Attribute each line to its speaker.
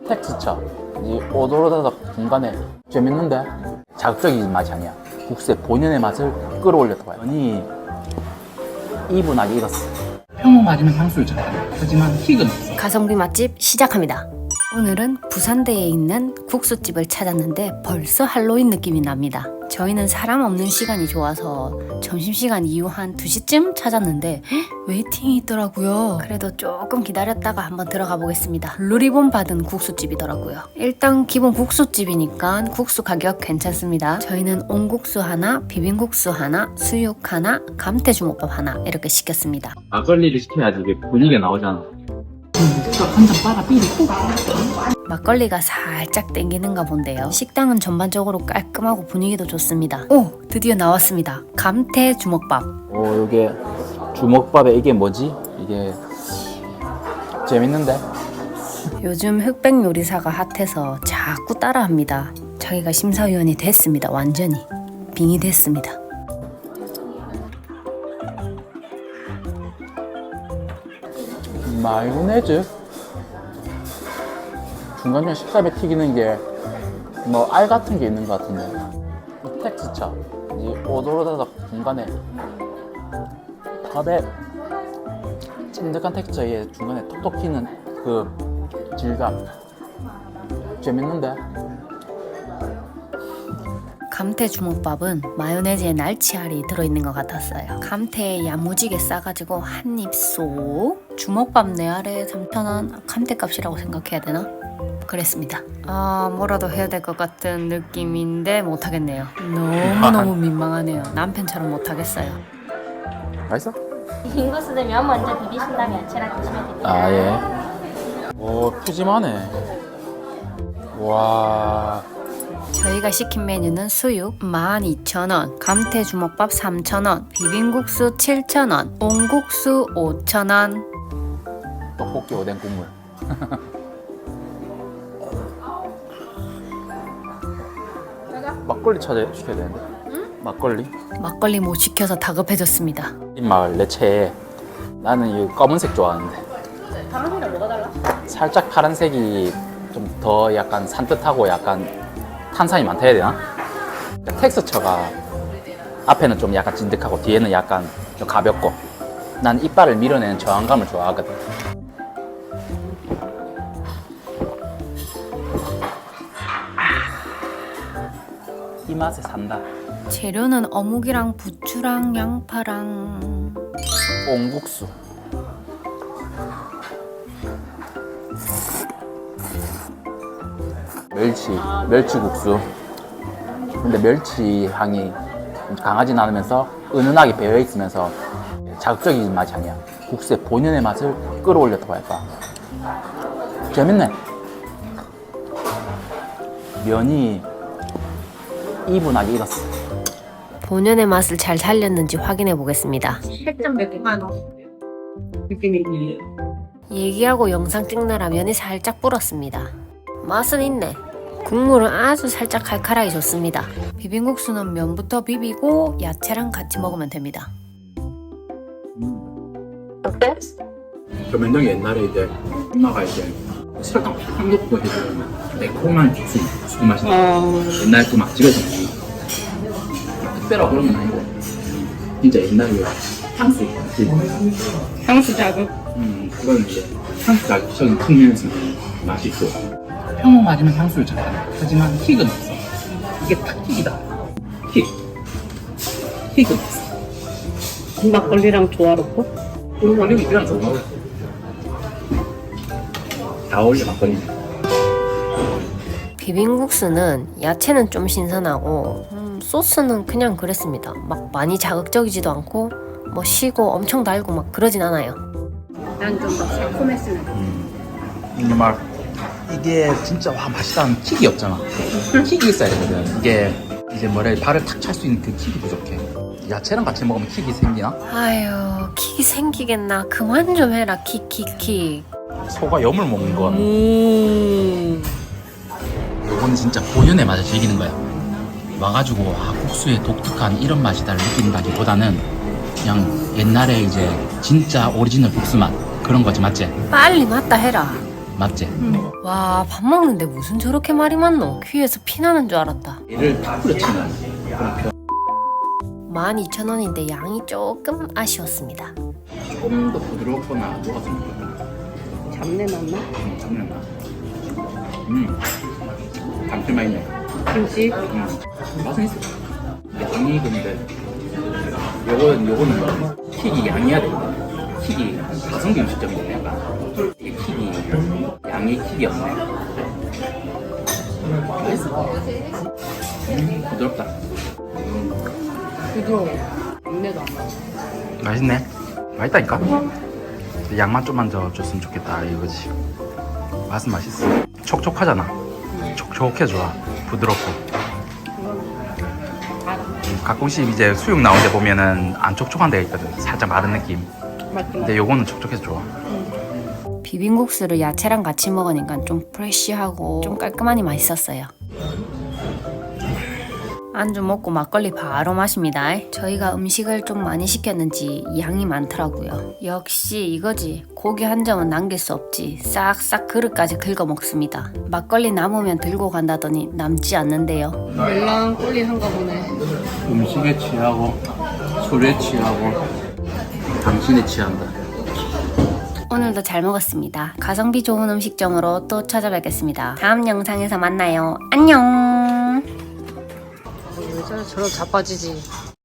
Speaker 1: 텍스처, 이 오돌오다닥 중간에 재밌는데 자극적인 맛이 아니야. 국수의 본연의 맛을 끌어올렸다고 해요. 아니 이분하게 익었어.
Speaker 2: 평범 맞으면 향수를 잘해. 하지만 킥은 없어.
Speaker 3: 가성비 맛집 시작합니다. 오늘은 부산대에 있는 국수집을 찾았는데 벌써 할로윈 느낌이 납니다. 저희는 사람 없는 시간이 좋아서 점심시간 이후 한 2시쯤 찾았는데 웨이팅이 있더라고요. 그래도 조금 기다렸다가 한번 들어가 보겠습니다. 블루리본 받은 국수집이더라고요. 일단 기본 국수집이니까 국수 가격 괜찮습니다. 저희는 온국수 하나, 비빔국수 하나, 수육 하나, 감태주먹밥 하나 이렇게 시켰습니다.
Speaker 1: 막걸리를 시켜야지 이게 분위기가 나오잖아.
Speaker 2: 한잔 빨아 삐리 꼭.
Speaker 3: 막걸리가 살짝 땡기는가 본데요. 식당은 전반적으로 깔끔하고 분위기도 좋습니다. 오! 드디어 나왔습니다. 감태 주먹밥.
Speaker 1: 이게 주먹밥에 이게 뭐지? 이게 재밌는데?
Speaker 3: 요즘 흑백 요리사가 핫해서 자꾸 따라합니다. 자기가 심사위원이 됐습니다. 완전히 빙이 됐습니다.
Speaker 1: 마요네즈? 중간중간 식감에 튀기는 게 뭐 알 같은 게 있는 것 같은데. 텍스처, 이 오돌오다닥 중간에 밥에 찐득한 텍스처에 중간에 톡톡 튀는 그 질감 재밌는데?
Speaker 3: 감태 주먹밥은 마요네즈에 날치알이 들어있는 것 같았어요. 감태에 야무지게 싸가지고 한 입 쏙. 주먹밥 내 알에 3,000원 감태값이라고 생각해야 되나? 그랬습니다. 뭐라도 해야 될 것 같은 느낌인데 못하겠네요. 너무너무 민망하네요. 남편처럼 못하겠어요.
Speaker 1: 맛있어?
Speaker 4: 빙고스 되면 먼저 비비신 다음에 야채랑 드시면 됩니다.
Speaker 1: 아 예. 오 푸짐하네. 와.
Speaker 3: 저희가 시킨 메뉴는 수육 12,000원, 감태 주먹밥 3,000원, 비빔국수 7,000원, 온국수 5,000원.
Speaker 1: 떡볶이 오뎅 국물. 막걸리 시켜야 되는데. 막걸리?
Speaker 3: 막걸리 못 시켜서 다급해졌습니다.
Speaker 1: 이 마을 내 채에 나는 이 검은색 좋아하는데.
Speaker 4: 파란색이랑 뭐가 달라?
Speaker 1: 살짝 파란색이 좀 더 약간 산뜻하고 약간 탄산이 많다 해야 되나? 텍스처가 앞에는 좀 약간 찐득하고 뒤에는 약간 좀 가볍고 난 이빨을 밀어내는 저항감을 좋아하거든. 이 맛에 산다.
Speaker 3: 재료는 어묵이랑 부추랑 양파랑
Speaker 1: 온국수. 멸치국수. 근데 멸치 향이 강하진 않으면서 은은하게 배어 있으면서 자극적인 맛이 아니야. 국수의 본연의 맛을 끌어올렸다고 할까. 재밌네. 면이 이분하게 익었어.
Speaker 3: 본연의 맛을 잘 살렸는지 확인해 보겠습니다.
Speaker 4: 살짝 매콤한 느낌이 있네요.
Speaker 3: 얘기하고 영상 찍느라 면이 살짝 불었습니다. 맛은 있네. 국물은 아주 살짝 칼칼하게 좋습니다. 비빔국수는 면부터 비비고 야채랑 같이 먹으면 됩니다.
Speaker 4: 어때?
Speaker 2: 저 면장이 옛날에 이제 엄마가 이제 설탕 팍 넣고 해주는 매콤한 국수 맛이 나. 옛날 그 막 집에서 먹는 특별하고 그런 건 아니고 진짜 옛날에 향수
Speaker 4: 향수 자극.
Speaker 2: 그거는 이제 향수 자극적인 측면에서 맛있고 평범 맞으면 향수를 잘해. 하지만 킥은 없어. 이게 딱 킥이다. 킥은 없어.
Speaker 4: 막걸리랑 조화롭고.
Speaker 2: 막걸리 이랑 좋아. 다 어울려 막걸리.
Speaker 3: 비빔국수는 야채는 좀 신선하고 소스는 그냥 그랬습니다. 막 많이 자극적이지도 않고 뭐 시고 엄청 달고 막 그러진 않아요.
Speaker 4: 난 좀 더 새콤했으면
Speaker 1: 정말 이게 진짜 와 맛있다는 킥이 없잖아. 킥이 있어야 되거든. 이게 이제 뭐래 발을 탁 찰 수 있는 그 킥이 부족해. 야채랑 같이 먹으면 킥이 생기나?
Speaker 3: 아유 킥이 생기겠나. 그만 좀 해라 킥.
Speaker 1: 소가 염을 먹는 거. 요거는 진짜 본연의 맛을 즐기는 거야. 와가지고 국수의 독특한 이런 맛이다를 느낀다기보다는 그냥 옛날에 이제 진짜 오리지널 국수 맛 그런 거지, 맞지?
Speaker 3: 빨리 맞다 해라.
Speaker 1: 맞지?
Speaker 3: 와, 밥 먹는데 무슨 저렇게 말이 많노? 귀에서 피 나는 줄 알았다.
Speaker 2: 얘를 다 뿌려치면 그런 편
Speaker 3: 12,000원인데 양이 조금 아쉬웠습니다.
Speaker 2: 조금 더 부드럽거나 녹았으면 좋겠다.
Speaker 5: 잡내 났나?
Speaker 2: 장난나. 감칠맛 있네.
Speaker 5: 김치?
Speaker 2: 맛은 있어. 양이 근데 요거는 킥이 양이야 돼. 킥이 가성비 음식점인데 약간 이게 킥이 양이 킥이 없네. 맛있어. 부드럽다.
Speaker 5: 부드러워. 잡내도 안 나.
Speaker 1: 맛있네. 맛있다니까? 양만 좀만 더 줬으면 좋겠다 이거지. 맛은 맛있어. 촉촉하잖아. 촉촉해 좋아. 부드럽고. 가끔씩 이제 수육 나온 데 보면은 안 촉촉한 데가 있거든. 살짝 마른 느낌.
Speaker 5: 맞지?
Speaker 1: 근데 요거는 촉촉해서 좋아.
Speaker 3: 비빔국수를 야채랑 같이 먹으니까 좀 프레쉬하고 좀 깔끔하니 맛있었어요. 안주 먹고 막걸리 바로 마십니다. 저희가 음식을 좀 많이 시켰는지 양이 많더라고요. 역시 이거지. 고기 한 점은 남길 수 없지. 싹싹 그릇까지 긁어 먹습니다. 막걸리 남으면 들고 간다더니 남지 않는데요.
Speaker 5: 멜랑꼴리한가 보네.
Speaker 2: 음식에 취하고 술에 취하고 당신에 취한다.
Speaker 3: 오늘도 잘 먹었습니다. 가성비 좋은 음식점으로 또 찾아뵙겠습니다. 다음 영상에서 만나요. 안녕.
Speaker 5: 여자는 저런 자빠지지.